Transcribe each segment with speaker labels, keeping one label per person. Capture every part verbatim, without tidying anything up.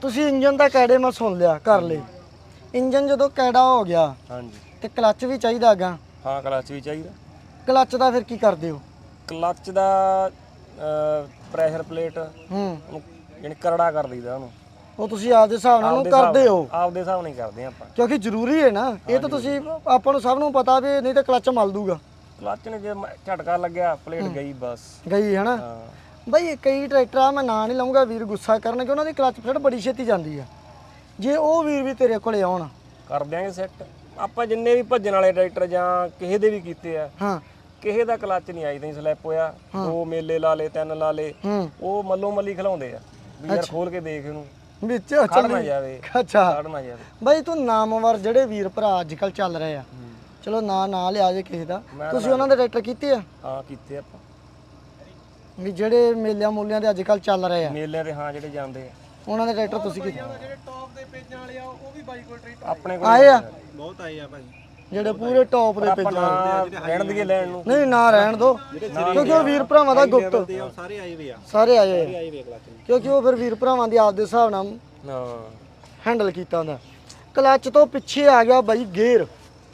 Speaker 1: ਤੁਸੀਂ ਇੰਜਨ ਦਾ ਕੈੜੇ ਮੈਂ ਸੁਣ ਲਿਆ ਕਰ ਲਈ ਇੰਜਨ ਜਦੋਂ ਕੈੜਾ ਹੋ ਗਿਆ
Speaker 2: ਹਾਂਜੀ
Speaker 1: ਤੇ ਕਲੱਚ ਵੀ ਚਾਹੀਦਾ ਅਗਾ
Speaker 2: ਹਾਂ ਕਲੱਚ ਵੀ ਚਾਹੀਦਾ
Speaker 1: ਕਲੱਚ ਦਾ ਫਿਰ ਕੀ ਕਰਦੇ ਹੋ
Speaker 2: ਕਲੱਚ ਦਾ ਪ੍ਰੈਸ਼ਰ ਪਲੇਟ
Speaker 1: ਹੂੰ
Speaker 2: ਯਾਨੀ ਕਰੜਾ ਕਰ ਦਈਦਾ ਉਹਨੂੰ
Speaker 1: ਉਹ ਤੁਸੀਂ ਆਪਦੇ ਹਿਸਾਬ ਨਾਲ ਉਹਨੂੰ ਕਰਦੇ ਹੋ
Speaker 2: ਆਪਦੇ ਹਿਸਾਬ ਨਾਲ ਹੀ ਕਰਦੇ ਆਪਾਂ
Speaker 1: ਕਿਉਂਕਿ ਜ਼ਰੂਰੀ ਹੈ ਨਾ ਇਹ ਤਾਂ ਤੁਸੀਂ ਆਪਾਂ ਨੂੰ ਸਭ ਨੂੰ ਪਤਾ ਵੀ ਨਹੀਂ ਤਾਂ ਕਲੱਚ ਮਲ ਦੂਗਾ
Speaker 2: ਕਲੱਚ ਨੇ ਜੇ ਝਟਕਾ ਲੱਗਿਆ ਪਲੇਟ ਗਈ ਬਸ
Speaker 1: ਗਈ ਹੈ ਨਾ
Speaker 2: ਹਾਂ
Speaker 1: ਬਈ ਕਈ ਟਰੈਕਟਰ ਆ ਮੈਂ ਨਾਂ ਨਹੀਂ ਲਵਾਂਗਾ ਵੀਰ ਗੁੱਸਾ ਕਰਨਗੇ ਉਹਨਾਂ ਦੀ ਕਲੱਚ ਪਲੇਟ ਬੜੀ ਛੇਤੀ ਜਾਂਦੀ ਆ ਜੇ ਉਹ ਵੀਰ ਵੀ ਤੇਰੇ ਕੋਲੇ ਆਉਣ
Speaker 2: ਕਰ ਦਿਆਂਗੇ ਸੈੱਟ ਆਪਾਂ ਜਿੰਨੇ ਵੀ ਭੱਜਣ ਵਾਲੇ ਟਰੈਕਟਰ ਜਾਂ ਕਿਸੇ ਦੇ ਵੀ ਕੀਤੇ ਆ
Speaker 1: ਹਾਂ
Speaker 2: ਕਿਸੇ ਦਾ ਕਲੱਚ ਨਹੀਂ ਆਈ ਤਾਂ ਸਲਿੱਪ ਹੋਇਆ ਦੋ ਮੇਲੇ ਲਾ ਲੇ ਤਿੰਨ ਲਾ ਲੇ
Speaker 1: ਹੂੰ
Speaker 2: ਉਹ ਮੱਲੋ ਮੱਲੀ ਖਿਲਾਉਂਦੇ ਆ ਵੀ ਯਾਰ ਖੋਲ ਕੇ ਦੇਖ ਇਹਨੂੰ
Speaker 1: ਵਿੱਚ
Speaker 2: ਖੜ ਨਾ ਜਾਵੇ
Speaker 1: ਅੱਛਾ
Speaker 2: ਖੜ ਨਾ ਜਾਵੇ
Speaker 1: ਬਈ ਤੂੰ ਨਾਮਵਰ ਜਿਹੜੇ ਵੀਰ ਭਰਾ ਅੱਜ ਕੱਲ ਚੱਲ ਰਹੇ ਆ ਚਲੋ ਨਾਂ ਨਾ ਲਿਆ ਜੇ ਕਿਸੇ ਦਾ ਤੁਸੀਂ ਉਹਨਾਂ ਦੇ ਟਰੈਕਟਰ ਕੀਤੇ ਆ
Speaker 2: ਹਾਂ ਕੀਤੇ ਆਪਾਂ
Speaker 1: ਵੀ ਜਿਹੜੇ ਮੇਲਿਆਂ ਮੂਲਿਆਂ ਦੇ ਅੱਜ ਕੱਲ ਚੱਲ ਰਹੇ ਆ
Speaker 2: ਮੇਲਿਆਂ ਤੇ ਹਾਂ ਜਿਹੜੇ ਜਾਂਦੇ ਆ
Speaker 1: ਉਹਨਾਂ ਦੇ ਟਰੈਕਟਰ ਤੁਸੀਂ ਕੀਤੇ
Speaker 3: ਜਿਹੜੇ ਟੌਪ ਦੇ ਪੇਜਾਂ ਵਾਲੇ ਆ ਉਹ ਵੀ ਬਾਈ ਕੋਲ ਟਰੈਕਟਰ
Speaker 2: ਆਪਣੇ ਕੋਲ
Speaker 1: ਆਏ ਆ
Speaker 3: ਬਹੁਤ ਆਏ ਆ ਭਾਈ
Speaker 1: ਜਿਹੜੇ ਪੂਰੇ ਟੌਪ ਦੇ
Speaker 2: ਆਪਾਂ
Speaker 1: ਪੇਜਾਂ
Speaker 2: ਨਾ ਰਹਿਣ ਦੀਏ ਲੈਣ ਨੂੰ
Speaker 1: ਨਹੀਂ ਨਾ ਰਹਿਣ ਦੋ ਕਿਉਂਕਿ ਉਹ ਵੀਰ ਭਰਾਵਾਂ ਦਾ ਗੁਪਤ
Speaker 3: ਉਹ ਸਾਰੇ ਆਏ ਵੇ ਆ
Speaker 1: ਸਾਰੇ ਆਏ ਆ
Speaker 3: ਆਏ ਵੇ ਕਲੱਚ
Speaker 1: ਕਿਉਂਕਿ ਉਹ ਫਿਰ ਵੀਰ ਭਰਾਵਾਂ ਦੀ ਆਪਦੇ ਹਿਸਾਬ ਨਾਲ
Speaker 2: ਹਾਂ
Speaker 1: ਹੈਂਡਲ ਕੀਤਾ ਹੁੰਦਾ ਕਲੱਚ ਤੋਂ ਪਿੱਛੇ ਆ ਗਿਆ ਬਾਈ ਗੇਅਰ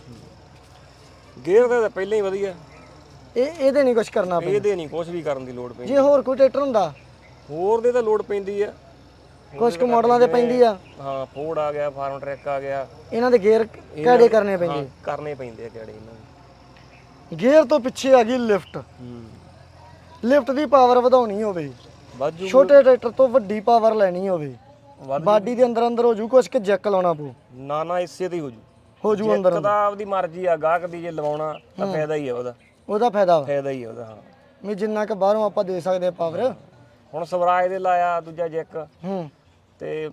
Speaker 2: ਗੇਅਰ ਦਾ ਤਾਂ ਪਹਿਲਾਂ ਹੀ ਵਧੀਆ
Speaker 1: ਇਹ ਇਹਦੇ ਨਹੀਂ ਕੁਝ ਕਰਨਾ ਪੈਂਦਾ
Speaker 2: ਇਹਦੇ ਨਹੀਂ ਕੁਝ ਵੀ ਕਰਨ ਦੀ ਲੋੜ ਪੈਂਦੀ
Speaker 1: ਜੇ ਹੋਰ ਕੋਈ ਟਰੈਕਟਰ ਹੁੰਦਾ
Speaker 2: ਹੋਰ ਦੇ ਤਾਂ ਲੋੜ ਪੈਂਦੀ ਆ
Speaker 1: ਕੁਝ ਕੁ ਮਾਡਲਾਂ ਦੇ ਪੈਂਦੀ ਆ
Speaker 2: ਹਾਂ ਫੋਰਡ ਆ ਗਿਆ ਫਾਰਮ ਟਰੈਕ ਆ ਗਿਆ
Speaker 1: ਇਹਨਾਂ ਦੇ ਗੇਅਰ ਕਿਹੜੇ ਕਰਨੇ ਪੈਂਦੇ
Speaker 2: ਕਰਨੇ ਪੈਂਦੇ ਆ ਕਿਹੜੇ ਇਹਨਾਂ ਦੇ
Speaker 1: ਗੇਅਰ ਤੋਂ ਪਿੱਛੇ ਆ ਗਈ ਲਿਫਟ
Speaker 2: ਹੂੰ
Speaker 1: ਲਿਫਟ ਦੀ ਪਾਵਰ ਵਧਾਉਣੀ ਹੋਵੇ
Speaker 2: ਵਾਜੂ
Speaker 1: ਛੋਟੇ ਟਰੈਕਟਰ ਤੋਂ ਵੱਡੀ ਪਾਵਰ ਲੈਣੀ ਹੋਵੇ
Speaker 2: ਵੱਧ
Speaker 1: ਬਾਡੀ ਦੇ ਅੰਦਰ ਅੰਦਰ ਹੋ ਜੂ ਕੁਛ ਕਿ ਜੈਕ ਲਾਉਣਾ ਪਊ
Speaker 2: ਨਾ ਨਾ ਇਸੇ ਤੇ ਹੀ ਹੋ ਜੂ
Speaker 1: ਹੋ ਜੂ ਅੰਦਰ
Speaker 2: ਇੱਕ ਤਾਂ ਆਪਦੀ ਮਰਜ਼ੀ ਆ ਗਾਹਕ ਦੀ ਜੇ ਲਵਾਉਣਾ ਤਾਂ ਫਾਇਦਾ ਹੀ ਆ ਉਹਦਾ
Speaker 1: ਉਹਦਾ ਫਾਇਦਾ ਵਾ
Speaker 2: ਫਾਇਦਾ ਹੀ ਆ ਉਹਦਾ ਹਾਂ
Speaker 1: ਵੀ ਜਿੰਨਾ ਕਿ ਬਾਹਰੋਂ ਆਪਾਂ ਦੇ ਸਕਦੇ ਆ ਪਾਵਰ
Speaker 2: ਹੁਣ ਸਵਰਾਜ ਦੇ ਲਾਇਆ ਦੂਜਾ ਜੈਕ
Speaker 1: ਹੂੰ
Speaker 2: ਤੇ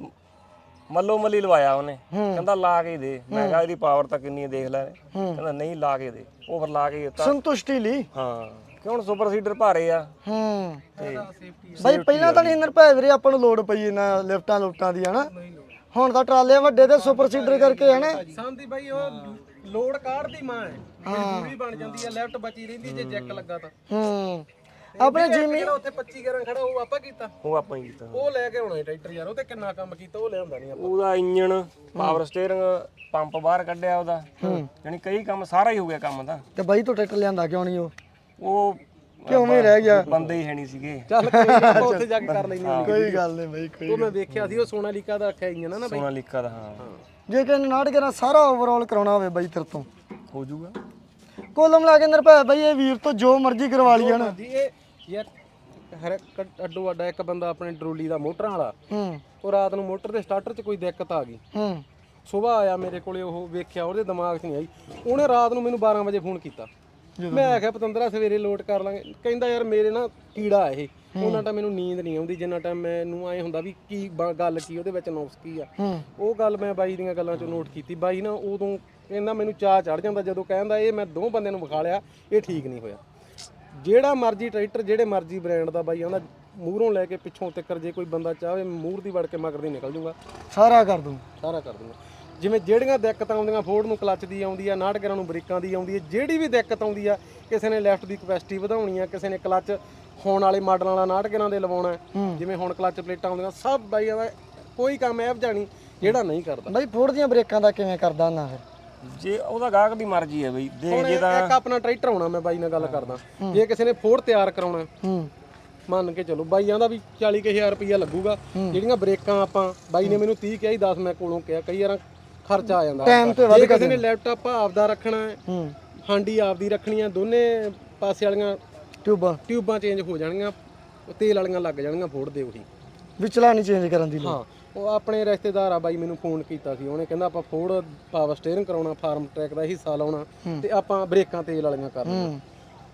Speaker 2: ਮੱਲੋ ਮੱਲੀ ਲਵਾਇਆ ਉਹਨੇ ਕਹਿੰਦਾ ਲਾ ਕੇ ਦੇ ਮੈਂ ਕਿਹਾ ਇਹਦੀ ਪਾਵਰ ਤਾਂ ਕਿੰਨੀ ਹੈ ਦੇਖ ਲੈ ਕਹਿੰਦਾ ਨਹੀਂ ਲਾ ਕੇ ਦੇ ਉਹ ਫਿਰ ਲਾ ਕੇ ਦਿੱਤਾ
Speaker 1: ਸੰਤੁਸ਼ਟੀ ਲਈ
Speaker 2: ਹਾਂ ਕਿ ਹੁਣ ਸੁਪਰ ਸੀਡਰ ਭਾਰੇ ਆ
Speaker 1: ਹੂੰ
Speaker 2: ਤੇ
Speaker 1: ਬਾਈ ਪਹਿਲਾਂ ਤਾਂ ਨਹੀਂ ਇੰਦਰ ਭੈ ਵੀਰੇ ਆਪਾਂ ਨੂੰ ਲੋਡ ਪਈ ਇਹਨਾਂ ਲਿਫਟਾਂ ਲੁਫਟਾਂ ਦੀ ਹਨਾ ਹੁਣ ਤਾਂ ਟਰਾਲੇ ਵੱਡੇ ਤੇ ਸੁਪਰ ਸੀਡਰ ਕਰਕੇ ਹਨਾ
Speaker 3: ਸੰਦੀ ਬਾਈ ਉਹ ਲੋਡ ਕਾਢਦੀ ਮਾਂ ਹੈ ਮਜਬੂਰੀ ਬਣ ਜਾਂਦੀ ਆ ਲੈਫਟ ਬਚੀ ਰਹਿੰਦੀ ਜੇ ਜੈਕ ਲੱਗਾ ਤਾਂ
Speaker 1: ਹੂੰ ਆਪਣੇ ਜਿਮੀ
Speaker 3: ਜਿਹੜਾ ਉੱਥੇ ਪੱਚੀ ਗਿਆਰਾਂ ਖੜਾ ਉਹ ਆਪਾਂ ਕੀਤਾ
Speaker 2: ਉਹ ਆਪਾਂ ਹੀ ਕੀਤਾ
Speaker 3: ਉਹ ਲੈ ਕੇ ਆਉਣਾ ਟਰੈਕਟਰ ਯਾਰ ਉਹ ਤੇ ਕਿੰਨਾ ਕੰਮ ਕੀਤਾ ਉਹ ਲਿਆਉਂਦਾ ਨਹੀਂ ਆਪਾਂ
Speaker 2: ਉਹਦਾ ਇੰਜਣ ਪਾਵਰ ਸਟੀਅਰਿੰਗ ਪੰਪ ਬਾਹਰ ਕੱਢਿਆ ਉਹਦਾ ਯਾਨੀ ਕਈ ਕੰਮ ਸਾਰਾ ਹੀ ਹੋ ਗਿਆ ਕੰਮ ਦਾ
Speaker 1: ਤੇ ਬਾਈ ਤੋਂ ਟਰੈਕਟਰ ਲਿਆਂਦਾ ਕਿਉਂ ਨਹੀਂ ਉਹ
Speaker 2: ਉਹ
Speaker 1: ਕਿਉਂ ਹੀ ਰਹਿ ਗਿਆ
Speaker 2: ਬੰਦੇ ਹੀ ਹੈ ਨਹੀਂ ਸੀਗੇ
Speaker 3: ਚੱਲ ਕੋਈ ਨੀ, ਆਪਾਂ ਉੱਥੇ ਜਾ ਕੇ ਕਰ ਲੈਣੀ
Speaker 1: ਕੋਈ ਗੱਲ ਨਹੀਂ ਬਾਈ ਕੋਈ
Speaker 3: ਉਹ ਮੈਂ ਵੇਖਿਆ ਸੀ ਉਹ ਸੋਨਾਲੀਕਾ ਦਾ ਰੱਖਿਆ ਇੰਜਨ ਨਾ ਬਾਈ
Speaker 2: ਸੋਨਾਲੀਕਾ ਦਾ ਹਾਂ
Speaker 1: ਜੇ ਕਿ ਨਾਟ ਕਰਾਂ ਸਾਰਾ ਓਵਰਆਲ ਕਰਾਉਣਾ ਹੋਵੇ ਬਾਈ ਤੇਰੇ ਤੋਂ
Speaker 2: ਹੋ ਜਾਊਗਾ
Speaker 1: ਕੋਲਮ ਲਾ ਕੇ ਅੰਦਰ ਭੈ ਬਾਈ ਇਹ ਵੀਰ ਤੋਂ ਜੋ ਮਰਜ਼ੀ ਕਰਵਾ ਲਈ ਹਨਾ
Speaker 3: ਜੀ ਇਹ ਯਾਰ ਹਰ ਇੱਕ ਅੱਡੋ ਅੱਡਾ ਇੱਕ ਬੰਦਾ ਆਪਣੇ ਟਰੋਲੀ ਦਾ ਮੋਟਰਾਂ ਵਾਲਾ
Speaker 1: ਹੂੰ
Speaker 3: ਉਹ ਰਾਤ ਨੂੰ ਮੋਟਰ ਦੇ ਸਟਾਰਟਰ 'ਚ ਕੋਈ ਦਿੱਕਤ ਆ ਗਈ
Speaker 1: ਹੂੰ
Speaker 3: ਸਵੇਰ ਆਇਆ ਮੇਰੇ ਕੋਲੇ ਉਹ ਵੇਖਿਆ ਉਹਦੇ ਦਿਮਾਗ 'ਚ ਨਹੀਂ ਆਈ ਉਹਨੇ ਰਾਤ ਨੂੰ ਮੈਨੂੰ ਬਾਰਾਂ ਵਜੇ ਫੋਨ ਕੀਤਾ ਮੈਂ ਆਖਿਆ ਪਤੰਦਰਾ ਸਵੇਰੇ ਲੋਡ ਕਰ ਲਾਂਗੇ ਕਹਿੰਦਾ ਯਾਰ ਮੇਰੇ ਨਾ ਕੀੜਾ ਇਹ ਉਹਨਾਂ ਟਾਈਮ ਮੈਨੂੰ ਨੀਂਦ ਨਹੀਂ ਆਉਂਦੀ ਜਿੰਨਾ ਟਾਈਮ ਮੈਨੂੰ ਐ ਹੁੰਦਾ ਵੀ ਕੀ ਬ- ਗੱਲ ਕੀ ਉਹਦੇ ਵਿੱਚ ਨੁਕਸ ਕੀ ਆ
Speaker 1: ਹੂੰ
Speaker 3: ਉਹ ਗੱਲ ਮੈਂ ਬਾਈ ਦੀਆਂ ਗੱਲਾਂ 'ਚੋਂ ਨੋਟ ਕੀਤੀ ਬਾਈ ਨਾ ਉਦੋਂ ਕਹਿੰਦਾ ਮੈਨੂੰ ਚਾਹ ਚੜ ਜਾਂਦਾ ਜਦੋਂ ਕਹਿੰਦਾ ਇਹ ਮੈਂ ਦੋ ਬੰਦਿਆਂ ਨੂੰ ਵਿਖਾ ਲਿਆ ਇਹ ਠੀਕ ਨਹੀਂ ਹੋਇਆ ਜਿਹੜਾ ਮਰਜ਼ੀ ਟਰੈਕਟਰ ਜਿਹੜੇ ਮਰਜ਼ੀ ਬ੍ਰਾਂਡ ਦਾ ਬਾਈ ਆਂਦਾ ਮੂਹਰੋਂ ਲੈ ਕੇ ਪਿੱਛੋਂ ਤੱਕ ਜੇ ਕੋਈ ਬੰਦਾ ਚਾਹੇ ਮੂਹਰ ਦੀ ਵੜ ਕੇ ਮਗਰ ਦੀ ਨਿਕਲ ਜੂਗਾ
Speaker 1: ਸਾਰਾ ਕਰ ਦੂੰ
Speaker 3: ਸਾਰਾ ਕਰ ਦੂੰਗਾ ਜਿਵੇਂ ਜਿਹੜੀਆਂ ਦਿੱਕਤਾਂ ਆਉਂਦੀਆਂ ਫੋਰਡ ਨੂੰ ਕਲੱਚ ਦੀ ਆਉਂਦੀ ਆ ਨਾਟਕਰਾਂ ਨੂੰ ਬ੍ਰੇਕਾਂ ਦੀ ਆਉਂਦੀ ਹੈ ਜਿਹੜੀ ਵੀ ਦਿੱਕਤ ਆਉਂਦੀ ਆ ਕਿਸੇ ਨੇ ਲੈਫਟ ਦੀ ਕਪੈਸਿਟੀ ਵਧਾਉਣੀ ਆ ਕਿਸੇ ਨੇ ਕਲੱਚ ਹੋਣ ਵਾਲੇ ਮਾਡਲਾਂ ਵਾਲਾ ਨਾਟਕਰਾਂ ਦੇ ਲਵਾਉਣਾ ਜਿਵੇਂ ਹੁਣ ਕਲੱਚ ਪਲੇਟਾਂ ਆਉਂਦੀਆਂ ਸਭ ਬਾਈ ਦਾ ਕੋਈ ਕੰਮ ਐਵ ਜਾਣੀ ਜਿਹੜਾ ਨਹੀਂ ਕਰਦਾ
Speaker 1: ਬਾਈ ਫੋੜ ਦੀਆਂ ਬ੍ਰੇਕਾਂ ਦਾ ਕਿਵੇਂ ਕਰਦਾ ਨਾ ਫਿਰ
Speaker 2: ਜੇ ਉਹਦਾ ਗਾਹਕ ਦੀ ਮਰਜ਼ੀ ਹੈ ਬਈ ਦੇ
Speaker 3: ਹੁਣ
Speaker 2: ਜੇ ਤਾਂ
Speaker 3: ਇੱਕ ਆਪਣਾ ਟਰੈਕਟਰ ਆਉਣਾ ਮੈਂ ਬਾਈ ਨਾਲ ਗੱਲ ਕਰਦਾ ਜੇ ਕਿਸੇ ਨੇ ਫੋਰਡ ਤਿਆਰ ਕਰਾਉਣਾ
Speaker 1: ਹੂੰ
Speaker 3: ਮੰਨ ਕੇ ਚਲੋ ਬਾਈ ਆਂਦਾ ਵੀ ਚਾਲੀ ਕੁ ਹਜ਼ਾਰ ਰੁਪਈਆ ਲੱਗੂਗਾ ਜਿਹੜੀਆਂ ਬ੍ਰੇਕਾਂ ਆਪਾਂ ਬਾਈ ਨੇ ਮੈਨੂੰ ਤੀਹ ਕਿਹਾ ਸੀ ਦਸ ਮੈਂ ਕੋਲੋਂ ਕਿਹਾ ਕਈ ਵਾਰ ਖਰਚਾ ਆ ਜਾਂਦਾ
Speaker 1: ਟਾਈਮ ਤੇ ਵੱਧ
Speaker 3: ਜੇ ਕਿਸੇ ਨੇ ਲੈਪਟਾਪ ਆਪਦਾ ਰੱਖਣਾ ਹੈ
Speaker 1: ਹੂੰ
Speaker 3: ਹਾਂਡੀ ਆਪਦੀ ਰੱਖਣੀ ਆ ਦੋਨੇ ਪਾਸੇ ਵਾਲੀਆਂ
Speaker 1: ਟਿਊਬਾਂ
Speaker 3: ਟਿਊਬਾਂ ਚੇਂਜ ਹੋ ਜਾਣਗੀਆਂ ਤੇਲ ਵਾਲੀਆਂ ਲੱਗ ਜਾਣਗੀਆਂ ਫੋੜ ਦੇ ਉਹੀ
Speaker 1: ਵਿਚਲਾ ਨਹੀਂ ਚੇਂਜ ਕਰਨ ਦੀ ਲੋੜ
Speaker 3: ਹਾਂ ਉਹ ਆਪਣੇ ਰਿਸ਼ਤੇਦਾਰ ਆ ਬਾਈ ਮੈਨੂੰ ਫੋਨ ਕੀਤਾ ਸੀ ਉਹਨੇ ਕਹਿੰਦਾ ਆਪਾਂ ਫੋੜ ਪਾਵਰ ਸਟੀਅਰਿੰਗ ਕਰਾਉਣਾ ਫਾਰਮ ਟਰੈਕ ਦਾ ਹਿੱਸਾ ਲਾਉਣਾ ਤੇ ਆਪਾਂ ਬ੍ਰੇਕਾਂ ਤੇਲ ਵਾਲੀਆਂ ਕਰਨੀਆਂ
Speaker 1: ਹੂੰ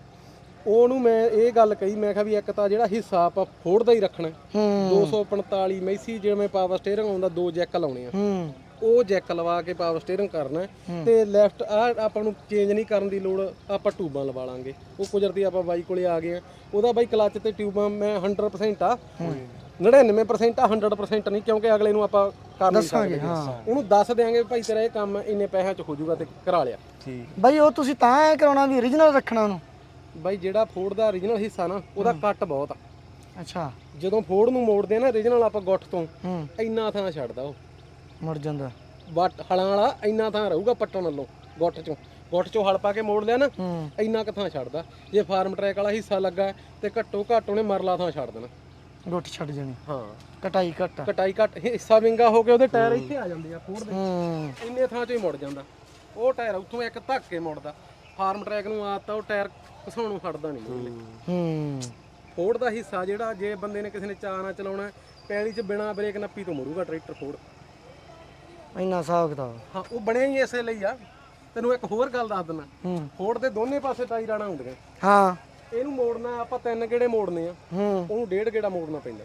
Speaker 3: ਉਹਨੂੰ ਮੈਂ ਇਹ ਗੱਲ ਕਹੀ ਮੈਂ ਕਿਹਾ ਵੀ ਇੱਕ ਤਾਂ ਜਿਹੜਾ ਹਿੱਸਾ ਆਪਾਂ ਫੋੜ ਦਾ ਹੀ ਰੱਖਣਾ
Speaker 1: ਹੂੰ
Speaker 3: ਦੋ ਸੌ ਪੰਤਾਲੀ ਮੈਸੀ ਜਿਵੇਂ ਪਾਵਰ ਸਟੀਅਰਿੰਗ ਆਉਂਦਾ ਦੋ ਜੈਕ ਲਾਉਣੇ ਆ
Speaker 1: ਹੂੰ
Speaker 3: ਉਹ ਜੈਕ ਲਵਾ ਕੇ ਪਾਵਰ ਸਟੀਅਰਿੰਗ ਕਰਨਾ ਤੇ ਲੈਫਟ ਆ ਆਪਾਂ ਨੂੰ ਚੇਂਜ ਨਹੀਂ ਕਰਨ ਦੀ ਲੋੜ ਆਪਾਂ ਟਿਊਬਾਂ ਲਵਾ ਲਾਂਗੇ ਉਹ ਕੁਦਰਤੀ ਆਪਾਂ ਬਾਈ ਕੋਲੇ ਆ ਗਏ ਆ ਉਹਦਾ ਬਾਈ ਕਲੱਚ ਤੇ ਟਿਊਬਾਂ ਮੈਂ ਸੌ ਪਰਸੈਂਟ ਆ ਨੜਿਨਵੇਂ ਪਰਸੈਂਟ ਆ ਸੌ ਪਰਸੈਂਟ ਨਹੀਂ ਕਿਉਂਕਿ ਅਗਲੇ ਨੂੰ ਆਪਾਂ ਕਰ ਨਹੀਂ ਸਕਦੇ ਉਹਨੂੰ ਦੱਸ ਦਿਆਂਗੇ ਭਾਈ ਤੇਰਾ ਇਹ ਕੰਮ ਇੰਨੇ ਪੈਸਿਆਂ 'ਚ ਹੋ ਜਾਊਗਾ ਤੇ ਕਰਾ ਲਿਆ
Speaker 2: ਠੀਕ
Speaker 1: ਬਾਈ ਉਹ ਤੁਸੀਂ ਤਾਂ ਐ ਕਰਾਉਣਾ ਵੀ origignal ਰੱਖਣਾ ਉਹਨੂੰ
Speaker 3: ਬਾਈ ਜਿਹੜਾ ਫੋਰਡ ਦਾ origignal ਹਿੱਸਾ ਨਾ ਉਹਦਾ ਕੱਟ ਬਹੁਤ ਆ
Speaker 1: ਅੱਛਾ
Speaker 3: ਜਦੋਂ ਫੋੜ ਨੂੰ ਮੋੜਦੇ ਆ ਨਾ ਰੀਜਨਲ ਆਪਾਂ ਗੁੱਠ ਤੋਂ
Speaker 1: ਹੂੰ
Speaker 3: ਇੰਨਾ ਥਾਂ ਛੱਡਦਾ ਉਹ
Speaker 1: ਮੁੜ ਜਾਂਦਾ
Speaker 3: ਵੱਟ ਹਲਾਂ ਵਾਲਾ ਇੰਨਾ ਥਾਂ ਰਹੂਗਾ ਪੱਟਣ ਵੱਲੋਂ ਗੁੱਠ ਚੋਂ ਗੁੱਠ ਚੋਂ ਹਲ ਪਾ ਕੇ ਮੋੜ ਲਿਆ ਨਾ
Speaker 1: ਹੂੰ
Speaker 3: ਇੰਨਾ ਕੁ ਥਾਂ ਛੱਡਦਾ ਜੇ ਫਾਰਮ ਟਰੈਕ ਵਾਲਾ ਹਿੱਸਾ ਲੱਗਾ ਤੇ ਘੱਟੋ ਘੱਟ ਉਹਨੇ ਮਰਲਾ ਥਾਂ ਛੱਡ ਦੇਣਾ
Speaker 1: ਗੁੱਟ ਛੱਡ ਜਾਣੀ
Speaker 3: ਹਾਂ
Speaker 1: ਕਟਾਈ ਘੱਟ
Speaker 3: ਕਟਾਈ ਘੱਟ ਹਿੱਸਾ ਵਿੰਗਾ ਹੋ ਕੇ ਉਹਦੇ ਟਾਇਰ ਇੱਥੇ ਆ ਜਾਂਦੇ ਆ ਫੋੜ ਦੇ
Speaker 1: ਹੂੰ
Speaker 3: ਇੰਨੇ ਥਾਂ ਚੋਂ ਹੀ ਮੁੜ ਜਾਂਦਾ ਉਹ ਟਾਇਰ ਉੱਥੋਂ ਇੱਕ ਧੱਕ ਕੇ ਮੁੜਦਾ ਫਾਰਮ ਟਰੈਕ ਨੂੰ ਆਦਤ ਉਹ ਟਾਇਰ ਘਸਾਉਣੋਂ ਖੜਦਾ ਨਹੀਂ
Speaker 1: ਹੂੰ
Speaker 3: ਫੋੜ ਦਾ ਹਿੱਸਾ ਜਿਹੜਾ ਜੇ ਬੰਦੇ ਨੇ ਕਿਸੇ ਨੇ ਚਾਅ ਨਾਲ ਚਲਾਉਣਾ ਪੈਲੀ 'ਚ ਬਿਨਾ ਬ੍ਰੇਕ ਨੱਪੀ ਤੋਂ ਮੁੜੂਗਾ ਟਰੈਕਟਰ ਫੋੜ
Speaker 1: ਇੰਨਾ ਹਿਸਾਬ ਕਿਤਾਬ
Speaker 3: ਹਾਂ ਉਹ ਬਣਿਆ ਹੀ ਇਸੇ ਲਈ ਆ ਤੈਨੂੰ ਇੱਕ ਹੋਰ ਗੱਲ ਦੱਸ ਦਿੰਦਾ
Speaker 1: ਹੂੰ
Speaker 3: ਫੋੜ ਦੇ ਦੋਨੇ ਪਾਸੇ ਟਾਈ ਰਾਣਾ ਹੁੰਦੀਆਂ
Speaker 1: ਹਾਂ
Speaker 3: ਇਹਨੂੰ ਮੋੜਨਾ ਆਪਾਂ ਤਿੰਨ ਗੇੜੇ ਮੋੜਨੇ ਆ
Speaker 1: ਹੂੰ
Speaker 3: ਉਹਨੂੰ ਡੇਢ ਗੇੜਾ ਮੋੜਨਾ ਪੈਂਦਾ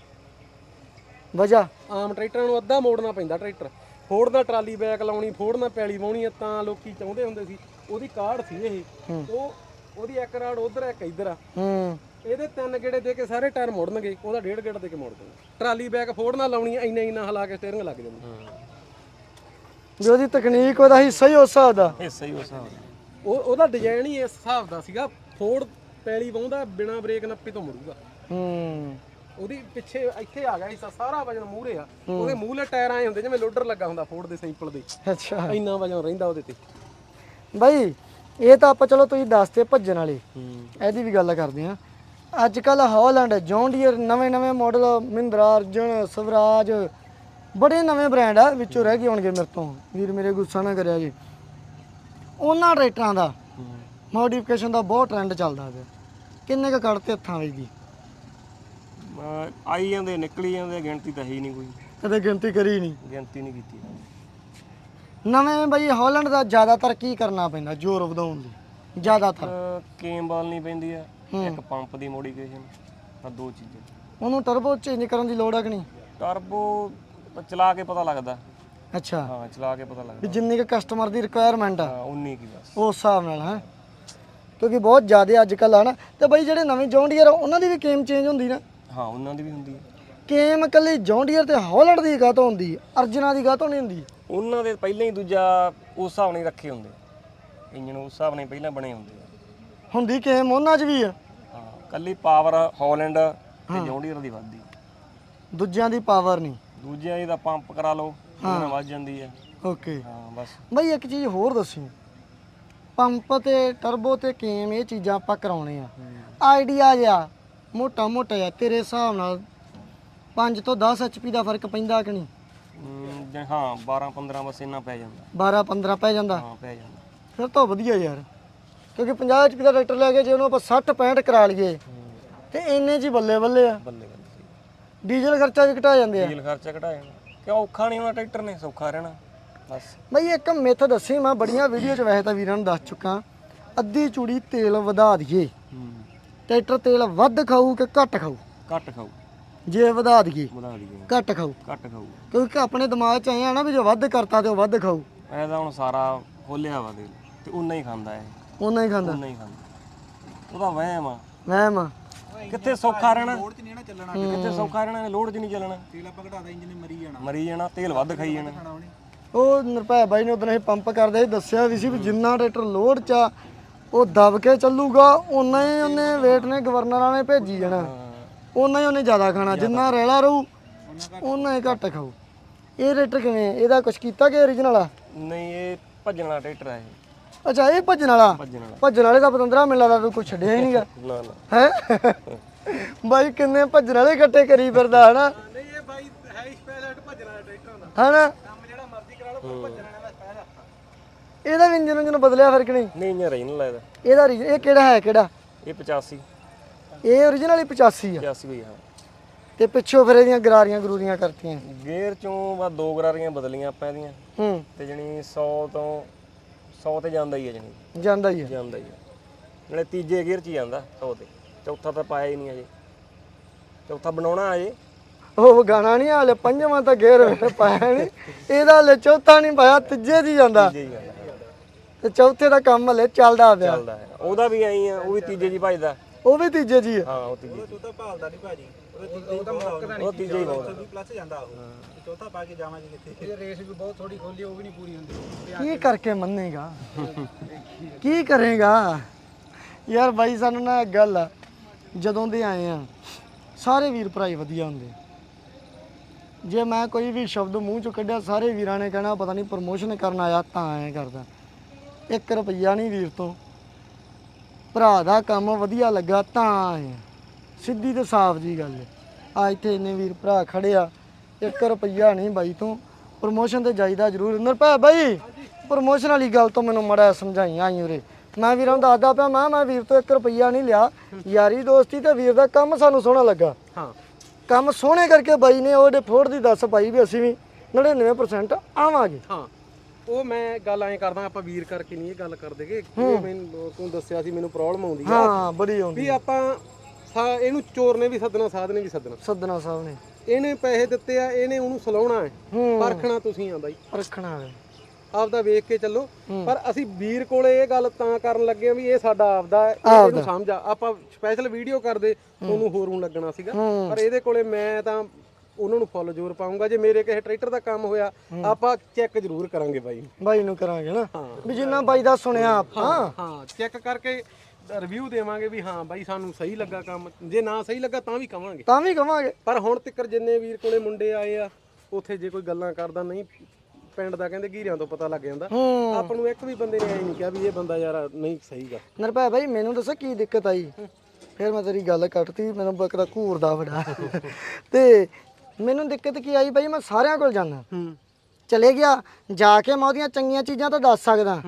Speaker 1: ਵਜਾ
Speaker 3: ਆਮ ਟਰੈਕਟਰਾਂ ਨੂੰ ਅੱਧਾ ਮੋੜਨਾ ਪੈਂਦਾ ਟਰੈਕਟਰ ਫੋੜ ਦਾ ਟਰਾਲੀ ਬੈਕ ਲਾਉਣੀ ਫੋੜ ਨਾਲ ਪੈਲੀ ਵਾਉਣੀ ਆ ਤਾਂ ਲੋਕੀ ਚਾਹੁੰਦੇ ਹੁੰਦੇ ਸੀ ਉਹਦੀ ਕਾਢ ਸੀ ਇਹ ਉਹ ਉਹਦੀ ਇੱਕ ਰਾੜ ਉਧਰ ਇੱਕ ਇੱਧਰ ਆ
Speaker 1: ਹੂੰ
Speaker 3: ਇਹਦੇ ਤਿੰਨ ਗੇੜੇ ਦੇ ਕੇ ਸਾਰੇ ਟਾਇਰ ਮੋੜਨਗੇ ਉਹਦਾ ਡੇਢ ਗੇੜਾ ਦੇ ਕੇ ਮੋੜ ਦੇਣਾ ਟਰਾਲੀ ਬੈਕ ਫੋੜ ਨਾਲ ਲਾਉਣੀ ਇੰਨਾ ਇੰਨਾ ਹਿਲਾ ਕੇ ਸਟੀਅਰਿੰਗ ਲੱਗ ਜਾਂਦਾ
Speaker 1: ਜੋ ਉਹਦੀ ਤਕਨੀਕ ਉਹਦਾ ਹਿੱਸਾ ਹੀ ਉਸ ਹਿਸਾਬ ਦਾ
Speaker 2: ਹਿੱਸਾ ਹੀ ਉਸ ਹਿਸਾਬ
Speaker 3: ਉਹ ਉਹਦਾ ਡਿਜ਼ਾਈਨ ਹੀ ਇਸ ਹਿਸਾਬ ਦਾ ਸੀਗਾ ਫੋੜ ਪੈਲੀ ਵਾਉਂਦਾ ਬਿਨਾ ਬ੍ਰੇਕ ਨੱਪੀ ਤੋਂ ਮੁੜੂਗਾ
Speaker 1: ਹੂੰ
Speaker 3: ਉਹਦੀ ਪਿੱਛੇ ਇੱਥੇ ਆ ਗਿਆ ਹਿੱਸਾ ਸਾਰਾ ਵਜਨ ਮੂਹਰੇ ਆ ਉਹਦੇ ਮੂਹਲੇ ਟਾਇਰ ਆਏ ਹੁੰਦੇ ਜਿਵੇਂ ਲੋਡਰ ਲੱਗਾ ਹੁੰਦਾ ਫੋੜ ਦੇ ਸਿੰਪਲ ਦੇ
Speaker 1: ਅੱਛਾ
Speaker 3: ਇੰਨਾ ਵਜਨ ਰਹਿੰਦਾ ਉਹਦੇ ਤੇ
Speaker 1: ਬਾਈ ਇਹ ਤਾਂ ਆਪਾਂ ਚਲੋ ਤੁਸੀਂ ਦੱਸਦੇ ਭੱਜਣ ਵਾਲੇ
Speaker 3: ਹੂੰ
Speaker 1: ਇਹਦੀ ਵੀ ਗੱਲ ਕਰਦੇ ਆ ਅੱਜ ਕੱਲ ਹੌਲੈਂਡ ਜੌਨ ਡੀਅਰ ਨਵੇਂ ਨਵੇਂ ਮਾਡਲ ਮਹਿੰਦਰਾ ਅਰਜਨ ਸਵਰਾਜ ਬੜੇ ਨਵੇਂ ਬ੍ਰਾਂਡ ਆ ਵਿੱਚੋਂ ਰਹਿ ਗਏ ਹੋਣਗੇ ਮੇਰੇ ਤੋਂ ਵੀਰ ਮੇਰੇ ਗੁੱਸਾ ਨਾ ਕਰਿਆ ਜੀ ਉਹਨਾਂ ਟਰੈਕਟਰਾਂ ਦਾ ਮੋਡੀਫਿਕੇਸ਼ਨ ਦਾ ਬਹੁਤ ਟ੍ਰੈਂਡ ਚੱਲਦਾ ਪਿਆ ਕਿੰਨੇ ਕ ਕੱਢਤੇ ਹੱਥਾਂ ਵਿੱਚ ਦੀ
Speaker 2: ਆਈ ਜਾਂਦੇ ਨਿਕਲੀ ਜਾਂਦੇ ਗਿਣਤੀ ਤਾਂ ਹੈ ਹੀ ਨਹੀਂ ਕੋਈ
Speaker 1: ਕਦੇ ਗਿਣਤੀ ਕਰੀ ਨਹੀਂ
Speaker 2: ਗਿਣਤੀ ਨਹੀਂ ਕੀਤੀ
Speaker 1: ਨਵੇਂ ਬਈ ਹੌਲੈਂਡ ਦਾ ਜ਼ਿਆਦਾਤਰ ਕੀ ਕਰਨਾ ਪੈਂਦਾ ਜ਼ੋਰ ਵਧਾਉਣ ਲਈ ਜ਼ਿਆਦਾਤਰ
Speaker 2: ਅਹ ਕੇਮ ਬਾਲ ਨਹੀਂ ਪੈਂਦੀ ਆ ਇੱਕ ਪੰਪ ਦੀ ਮੋਡੀਫਿਕੇਸ਼ਨ ਆ ਦੋ ਚੀਜ਼ਾਂ
Speaker 1: ਉਹਨੂੰ ਟਰਬੋ ਚੇਂਜ ਕਰਨ ਦੀ ਲੋੜ ਹੈ ਕਿ ਨਹੀਂ
Speaker 2: ਟਰਬੋ ਚਲਾ ਕੇ ਪਤਾ ਲੱਗਦਾ
Speaker 1: ਅੱਛਾ
Speaker 2: ਹਾਂ ਚਲਾ ਕੇ ਪਤਾ
Speaker 1: ਵੀ
Speaker 2: ਲੱਗਦਾ
Speaker 1: ਜਿੰਨੀ ਕੁ ਕਸਟਮਰ ਦੀ ਰਿਕੁਆਇਰਮੈਂਟ ਆ
Speaker 2: ਹਾਂ ਉਨੀ ਕੀ ਬਸ
Speaker 1: ਉਸ ਹਿਸਾਬ ਨਾਲ ਹੈ ਕਿਉਂਕਿ ਬਹੁਤ ਜ਼ਿਆਦਾ ਅੱਜ ਕੱਲ੍ਹ ਆ ਨਾ ਤੇ ਬਈ ਜਿਹੜੇ ਨਵੇਂ ਜੌਨ ਡੀਅਰ ਉਹਨਾਂ ਦੀ ਵੀ ਕੇਮ ਚੇਂਜ ਹੁੰਦੀ ਨਾ
Speaker 2: ਹਾਂ ਉਹਨਾਂ ਦੀ ਵੀ ਹੁੰਦੀ ਹੈ
Speaker 1: ਕੇਮ ਇਕੱਲੀ ਜੌਨ ਡੀਅਰ ਤੇ ਹੌਲੈਂਡ ਦੀ ਗਾਹ ਤੋਂ ਹੁੰਦੀ ਅਰਜਨਾ ਦੀ ਗਾਹ ਤੋਂ ਨਹੀਂ ਹੁੰਦੀ
Speaker 2: ਉਹਨਾਂ ਦੇ ਪਹਿਲਾਂ ਹੀ ਦੂਜਾ ਉਸ ਹਿਸਾਬ ਨਾਲ ਹੀ ਰੱਖੇ ਹੁੰਦੇ ਇੰਜਨ ਉਸ ਹਿਸਾਬ ਨਾਲ ਹੀ ਪਹਿਲਾਂ ਬਣੇ ਹੁੰਦੇ ਆ
Speaker 1: ਹੁੰਦੀ ਕੇਮ ਉਹਨਾਂ 'ਚ ਵੀ ਆ
Speaker 2: ਹਾਂ ਕੱਲੀ ਪਾਵਰ ਹੌਲੈਂਡ ਤੇ ਜੌਂਡੀਅਰ ਦੀ ਵੱਧਦੀ
Speaker 1: ਦੂਜਿਆਂ ਦੀ ਪਾਵਰ ਨਹੀਂ
Speaker 2: ਦੂਜਿਆਂ ਦੀ ਤਾਂ ਪੰਪ ਕਰਾ ਲਓ ਉਹਨਾਂ ਵੱਧ ਜਾਂਦੀ ਹੈ
Speaker 1: ਓਕੇ
Speaker 2: ਹਾਂ ਬਸ
Speaker 1: ਬਈ ਇੱਕ ਚੀਜ਼ ਹੋਰ ਦੱਸੀ ਪੰਪ ਤੇ ਟਰਬੋ ਤੇ ਕੇਮ ਇਹ ਚੀਜ਼ਾਂ ਆਪਾਂ ਕਰਾਉਣੇ ਆ ਆਈਡੀਆ ਜਿਹਾ ਮੋਟਾ ਮੋਟਾ ਜਿਹਾ ਤੇਰੇ ਹਿਸਾਬ ਨਾਲ ਪੰਜ ਤੋਂ ਦਸ ਐਚਪੀ ਦਾ ਫਰਕ ਪੈਂਦਾ ਕਿ ਨਹੀਂ
Speaker 2: ਹਮ, ਜਾਂ ਹਾਂ ਬਾਰਾਂ ਪੰਦਰਾਂ ਬਸ ਇੰਨਾ ਪੈ ਜਾਂਦਾ
Speaker 1: ਬਾਰਾਂ ਪੰਦਰਾਂ ਪੈ ਜਾਂਦਾ
Speaker 2: ਹਾਂ ਪੈ ਜਾਂਦਾ
Speaker 1: ਫਿਰ ਤਾਂ ਵਧੀਆ ਯਾਰ ਕਿਉਂਕਿ ਪੰਜਾਹ ਐਚਪੀ ਦਾ ਟਰੈਕਟਰ ਲੈ ਕੇ ਜੇ ਉਹਨੂੰ ਆਪਾਂ ਸੱਠ ਪੈਂਹਠ ਕਰਾ ਲਈਏ ਤੇ ਇੰਨੇ 'ਚ ਹੀ ਬੱਲੇ ਬੱਲੇ ਆ
Speaker 2: ਬੱਲੇ ਬੱਲੇ
Speaker 1: ਡੀਜ਼ਲ ਖਰਚਾ ਵੀ ਘਟਾ ਜਾਂਦੇ ਆ
Speaker 2: ਡੀਜ਼ਲ ਖਰਚਾ ਘਟਾ ਜਾਣਾ ਕਿਉਂ ਔਖਾ ਨਹੀਂ ਹੋਣਾ ਟਰੈਕਟਰ ਨੇ ਸੌਖਾ ਰਹਿਣਾ ਬਸ
Speaker 1: ਬਈ ਇੱਕ ਮਿੱਥ ਦੱਸੀ ਮੈਂ ਬੜੀਆਂ ਵੀਡੀਓ 'ਚ ਵੈਸੇ ਤਾਂ ਵੀਰਾਂ ਨੂੰ ਦੱਸ ਚੁੱਕਾ ਅੱਧੀ ਚੂੜੀ ਤੇਲ ਵਧਾ ਦਈਏ ਟਰੈਕਟਰ ਤੇਲ ਵੱਧ ਖਾਊ ਕਿ ਘੱਟ ਖਾਊ
Speaker 2: ਘੱਟ ਖਾਊ
Speaker 1: ਜੇ ਵਧਾ ਦਈਏ
Speaker 2: ਵਧਾ ਲਈਏ
Speaker 1: ਘੱਟ ਖਾਊ
Speaker 2: ਘੱਟ ਖਾਊ
Speaker 1: ਕਿਉਂਕਿ ਆਪਣੇ ਦਿਮਾਗ 'ਚ ਆਇਆ ਨਾ ਵੀ ਜੇ ਵੱਧ ਕਰਤਾ ਤੇ ਉਹ ਵੱਧ ਖਾਊ
Speaker 2: ਐਦਾ ਹੁਣ ਸਾਰਾ ਖੋਲਿਆ ਵਾ ਦੇ ਤੇ ਉਨਾ ਹੀ ਖਾਂਦਾ ਇਹ
Speaker 1: ਉਹਨਾਂ ਹੀ ਖਾਂਦਾ
Speaker 2: ਉਨਾ ਹੀ ਖਾਂਦਾ ਉਹਦਾ ਵਹਿਮ ਆ
Speaker 1: ਵਹਿਮ
Speaker 2: ਕਿੱਥੇ ਸੌਖਾ ਰਹਿਣਾ ਲੋਡ 'ਚ ਨਹੀਂ ਨਾ ਚੱਲਣਾ ਕਿੱਥੇ ਸੌਖਾ ਰਹਿਣਾ ਲੋਡ 'ਚ ਨਹੀਂ ਚੱਲਣਾ
Speaker 3: ਤੇਲ ਆਪਾਂ ਘਟਾਦਾ ਇੰਜਨ ਮਰੀ ਜਾਣਾ
Speaker 2: ਮਰੀ ਜਾਣਾ ਤੇਲ ਵੱਧ ਖਾਈ ਜਾਣਾ
Speaker 1: ਉਹ ਨਿਰਭੈ ਬਾਈ ਨੇ ਉਦੋਂ ਇਹ ਪੰਪ ਕਰਦੇ ਸੀ ਦੱਸਿਆ ਵੀ ਸੀ ਵੀ ਜਿੰਨਾ ਟਰੈਕਟਰ ਲੋਡ 'ਚ ਆ ਉਹ ਦਬ ਕੇ ਚੱਲੂਗਾ ਉਨਾ ਹੀ ਉਹਨੇ ਵੇਟ ਨੇ ਗਵਰਨਰਾਂ ਨੇ ਭੇਜੀ ਜਾਣਾ ਉਨਾ ਹੀ ਉਹਨੇ ਜ਼ਿਆਦਾ ਖਾਣਾ ਜਿੰਨਾ ਰੈਲਾ ਰਹੂ ਉਨਾ ਹੀ ਘੱਟ ਖਾਊ ਇਹ ਟਰੈਕਟਰ ਕਿਵੇਂ ਇਹਦਾ ਕੁਝ ਕੀਤਾ ਕਿ ਓਰੀਜਨਲ ਆ
Speaker 2: ਨਹੀਂ ਇਹ ਭੱਜਣ ਵਾਲਾ ਟਰੈਕਟਰ ਆ ਇਹ
Speaker 1: ਅੱਛਾ ਇਹ ਭੱਜਣ ਵਾਲਾ
Speaker 2: ਭੱਜਣ ਵਾਲਾ
Speaker 1: ਭੱਜਣ ਵਾਲੇ ਦਾ ਪਤੰਦਰਾ ਮੈਨੂੰ ਲੱਗਦਾ ਤੂੰ ਕੁਛ ਛੱਡਿਆ ਹੀ ਨਹੀਂਗਾ
Speaker 2: ਨਾ ਨਾ
Speaker 1: ਹੈ ਬਾਈ ਕਿੰਨੇ ਭੱਜਣ ਵਾਲੇ ਇਕੱਠੇ ਕਰੀ ਫਿਰਦਾ ਹਨਾ
Speaker 3: ਨਹੀਂ ਇਹ ਬਾਈ ਹੈ ਸਪੈਸ਼ਲ ਭੱਜਣ ਵਾਲਾ ਟਰੈਕਟਰ ਹੁੰਦਾ
Speaker 1: ਹਨਾ
Speaker 3: ਕੰਮ ਜਿਹੜਾ ਮਰਜ਼ੀ ਕਰਾ ਲਓ ਪਰ ਭੱਜਣ ਵਾਲਾ ਸਪੈਸ਼ਲ
Speaker 1: ਇਹਦਾ ਵੀ ਇੰਜਨ ਇੰਜਨ ਬਦਲਿਆ ਫਿਰ ਕਿ ਨਹੀਂ
Speaker 2: ਨਹੀਂ ਇੰਜਨ ਰਹੀ ਨਹੀਂ ਲੱਗਦਾ
Speaker 1: ਇਹਦਾ ori- ਇਹ ਕਿਹੜਾ ਹੈ ਕਿਹੜਾ
Speaker 2: ਇਹ ਪਚਾਸੀ
Speaker 1: ਇਹ ਓਰੀਜਨਲ ਹੀ ਪਚਾਸੀ ਆ
Speaker 2: ਪਚਾਸੀ ਹੋਈ ਹਾਂ
Speaker 1: ਤੇ ਪਿੱਛੋਂ ਫਿਰ ਇਹਦੀਆਂ ਗਰਾਰੀਆਂ ਗਰੂਰੀਆਂ ਕਰਤੀਆਂ
Speaker 2: ਗੇਅਰ ਚੋਂ ਬਸ ਦੋ ਗਰਾਰੀਆਂ ਬਦਲੀਆਂ ਆਪਾਂ ਇਹਦੀਆਂ
Speaker 1: ਹੂੰ
Speaker 2: ਤੇ ਜਣੀ ਸੌ ਤੋਂ ਸੌ ਤੇ ਜਾਂਦਾ ਹੀ ਹੈ ਜਣੀ
Speaker 1: ਜਾਂਦਾ ਹੀ ਆ
Speaker 2: ਜਾਂਦਾ ਹੀ ਹੈ ਨਾਲੇ ਤੀਜੇ ਗੇਅਰ 'ਚ ਹੀ ਜਾਂਦਾ ਸੌ ਤੇ ਚੌਥਾ ਤਾਂ ਪਾਇਆ ਹੀ ਨਹੀਂ ਅਜੇ ਚੌਥਾ ਬਣਾਉਣਾ ਅਜੇ
Speaker 1: ਉਹ ਗਾਣਾ ਨਹੀਂ ਹਾਲੇ ਪੰਜਵਾਂ ਤਾਂ ਗੇਰ ਪਾਇਆ ਨਹੀਂ ਇਹਦਾ ਹਲੇ ਚੌਥਾ ਨਹੀਂ ਪਾਇਆ ਤੀਜੇ 'ਚ ਹੀ ਜਾਂਦਾ
Speaker 2: ਤੀਜੇ ਹੀ ਜਾਂਦਾ
Speaker 1: ਤੇ ਚੌਥੇ ਦਾ ਕੰਮ ਹਲੇ ਚੱਲਦਾ ਪਿਆ
Speaker 2: ਚੱਲਦਾ ਹੈ ਉਹਦਾ ਵੀ ਐਂ ਆ ਉਹ ਵੀ ਤੀਜੇ 'ਚ ਹੀ ਭਜਦਾ
Speaker 1: ਉਹ ਵੀ ਤੀਜੇ 'ਚ ਹੀ ਆ
Speaker 2: ਹਾਂ ਉਹ ਤੀਜੇ 'ਚ
Speaker 3: ਚੌਥਾ ਭਾਲਦਾ ਨਹੀਂ ਭਾਜੀ ਉਹ ਤਾਂ ਮੁੱਕਦਾ
Speaker 2: ਉਹ ਤੀਜੇ ਹੀ ਬਹੁਤ
Speaker 3: ਪਲੱਸ ਜਾਂਦਾ ਉਹ ਚੌਥਾ ਪਾ ਕੇ ਜਾਵਾਂਗੇ ਕਿੱਥੇ ਇਹ ਰੇਸ ਵੀ ਬਹੁਤ ਥੋੜੀ ਖੋਲੀ ਉਹ ਵੀ ਨਹੀਂ ਪੂਰੀ ਹੁੰਦੀ
Speaker 1: ਕੀ ਕਰਕੇ ਮੰਨੇਗਾ ਕੀ ਕਰੇਗਾ ਯਾਰ ਬਾਈ ਸਾਨੂੰ ਨਾ ਇੱਕ ਗੱਲ ਆ ਜਦੋਂ ਦੇ ਆਏ ਆ ਸਾਰੇ ਵੀਰ ਭਰਾ ਹੀ ਵਧੀਆ ਹੁੰਦੇ। ਜੇ ਮੈਂ ਕੋਈ ਵੀ ਸ਼ਬਦ ਮੂੰਹ ਚੋਂ ਕੱਢਿਆ ਸਾਰੇ ਵੀਰਾਂ ਨੇ ਕਹਿਣਾ ਪਤਾ ਨਹੀਂ ਪ੍ਰਮੋਸ਼ਨ ਕਰਨ ਆਇਆ ਤਾਂ ਐਂ ਕਰਦਾ। ਇੱਕ ਰੁਪਈਆ ਨਹੀਂ ਵੀਰ ਤੋਂ, ਭਰਾ ਦਾ ਕੰਮ ਵਧੀਆ ਲੱਗਾ ਤਾਂ ਆਏ। ਸਿੱਧੀ ਤੇ ਸਾਫ਼ ਜੀ ਗੱਲ ਹੈ। ਆ ਇੱਥੇ ਇੰਨੇ ਵੀਰ ਭਰਾ ਖੜੇ ਆ, ਇੱਕ ਰੁਪਈਆ ਨਹੀਂ ਬਾਈ ਤੋਂ। ਪ੍ਰਮੋਸ਼ਨ ਤੇ ਜਾਈਦਾ ਜ਼ਰੂਰ। ਨਿਰਭੈ ਬਾਈ ਪ੍ਰਮੋਸ਼ਨ ਵਾਲੀ ਗੱਲ ਤੋਂ ਮੈਨੂੰ ਮੜਾ ਸਮਝਾਈ ਆਈ ਉਰੇ। ਮੈਂ ਵੀਰਾਂ ਨੂੰ ਦੱਸਦਾ ਪਿਆ ਮੈਂ ਮੈਂ ਵੀਰ ਤੋਂ ਇੱਕ ਰੁਪਈਆ ਨਹੀਂ ਲਿਆ, ਯਾਰੀ ਦੋਸਤੀ ਤੇ ਵੀਰ ਦਾ ਕੰਮ ਸਾਨੂੰ ਸੋਹਣਾ ਲੱਗਾ।
Speaker 3: ਹਾਂ
Speaker 1: ਕੰਮ ਸੋਹਣੇ ਕਰਕੇ ਬਾਈ ਨੇ ਉਹਦੇ ਫੋੜ ਦੀ ਦੱਸ ਪਾਈ ਵੀ ਅਸੀਂ ਵੀ ਨੜਿਨਵੇਂ ਪਰਸੈਂਟ ਆਵਾਂਗੇ।
Speaker 3: ਹਾਂ ਉਹ ਮੈਂ ਗੱਲ ਐਂ ਕਰਦਾ, ਆਪਾਂ ਵੀਰ ਕਰਕੇ ਨਹੀਂ ਇਹ ਗੱਲ ਕਰਦੇਗੇ। ਇਹ ਮੈਨੂੰ ਤੂੰ ਦੱਸਿਆ ਸੀ ਮੈਨੂੰ ਪ੍ਰੋਬਲਮ ਆਉਂਦੀ ਆ
Speaker 1: ਹਾਂ ਬੜੀ ਆਉਂਦੀ
Speaker 3: ਵੀ ਆਪਾਂ ਸਾ ਇਹਨੂੰ ਚੋਰ ਨੇ ਵੀ ਸੱਦਣਾ, ਸਾਧ ਨੇ ਵੀ ਸੱਦਣਾ।
Speaker 1: ਸੱਦਣਾ ਸਾਹਿਬ ਨੇ
Speaker 3: ਇਹਨੇ ਪੈਸੇ ਦਿੱਤੇ ਆ, ਇਹਨੇ ਉਹਨੂੰ ਸਲਾਉਣਾ ਹੈ,
Speaker 1: ਹੂੰ
Speaker 3: ਪਰਖਣਾ ਤੁਸੀਂ ਆ ਬਾਈ।
Speaker 1: ਰੱਖਣਾ ਹੈ
Speaker 3: ਆਪਦਾ ਵੇਖ ਕੇ ਚੱਲੋ। ਪਰ ਅਸੀਂ ਵੀਰ ਕੋਲੇ ਇਹ ਗੱਲ ਤਾਂ ਕਰਨ ਲੱਗੇ ਆ ਵੀ ਇਹ ਸਾਡਾ ਆਪਦਾ ਹੈ, ਇਹਨੂੰ ਸਮਝ ਆ। ਆਪਾਂ ਸਪੈਸ਼ਲ ਵੀਡੀਓ ਕਰਦੇ ਤੁਹਾਨੂੰ ਹੋਰ ਨੂੰ ਲੱਗਣਾ ਸੀਗਾ, ਪਰ ਇਹਦੇ ਕੋਲੇ ਮੈਂ ਤਾਂ ਉਹਨਾਂ ਨੂੰ ਫੁੱਲ ਜ਼ੋਰ ਪਾਉਂਗਾ। ਜੇ ਮੇਰੇ ਕਿਸੇ ਟਰੈਕਟਰ ਦਾ ਕੰਮ ਹੋਇਆ ਆਪਾਂ ਚੈੱਕ ਜ਼ਰੂਰ ਕਰਾਂਗੇ ਬਾਈ
Speaker 1: ਬਾਈ ਨੂੰ ਕਰਾਂਗੇ ਨਾ ਵੀ ਜਿੰਨਾ ਬਾਈ ਦਾ ਸੁਣਿਆ ਆਪਾਂ।
Speaker 3: ਹਾਂ ਚੈੱਕ ਕਰਕੇ ਰਿਵਿਊ ਦੇਵਾਂਗੇ ਵੀ ਹਾਂ ਬਾਈ ਸਾਨੂੰ ਸਹੀ ਲੱਗਾ ਕੰਮ। ਜੇ ਨਾ ਸਹੀ ਲੱਗਾ ਤਾਂ ਵੀ ਕਵਾਂਗੇ,
Speaker 1: ਤਾਂ ਵੀ ਕਵਾਂਗੇ।
Speaker 3: ਪਰ ਹੁਣ ਤੱਕ ਜਿੰਨੇ ਵੀਰ ਕੋਲੇ ਮੁੰਡੇ ਆਏ ਆ ਉੱਥੇ ਜੇ ਕੋਈ ਗੱਲਾਂ ਕਰਦਾ ਨਹੀਂ ਪਿੰਡ ਦਾ ਕਹਿੰਦੇ ਘੀਰਿਆਂ ਤੋਂ ਪਤਾ ਲੱਗ ਜਾਂਦਾ। ਆਪਾਂ ਨੂੰ ਇੱਕ ਵੀ ਬੰਦੇ ਨੇ ਐ ਨਹੀਂ ਕਿਹਾ ਵੀ ਇਹ ਬੰਦਾ ਯਾਰ ਨਹੀਂ ਸਹੀਗਾ।
Speaker 1: ਨਿਰਭੈ ਬਾਈ ਮੈਨੂੰ ਦੱਸੋ ਕੀ ਦਿੱਕਤ ਆਈ? ਫਿਰ ਮੈਂ ਤੇਰੀ ਗੱਲ ਕੱਟਤੀ, ਮੈਨੂੰ ਬਕਰਾ ਘੂਰਦਾ ਬੜਾ। ਤੇ ਮੈਨੂੰ ਦਿੱਕਤ ਕੀ ਆਈ ਬਾਈ, ਮੈਂ ਸਾਰਿਆਂ ਕੋਲ ਜਾਣਾ ਚਲੇ ਗਿਆ, ਜਾ ਕੇ ਮੈਂ ਉਹਦੀਆਂ ਚੰਗੀਆਂ ਚੀਜ਼ਾਂ ਤਾਂ ਦੱਸ ਸਕਦਾ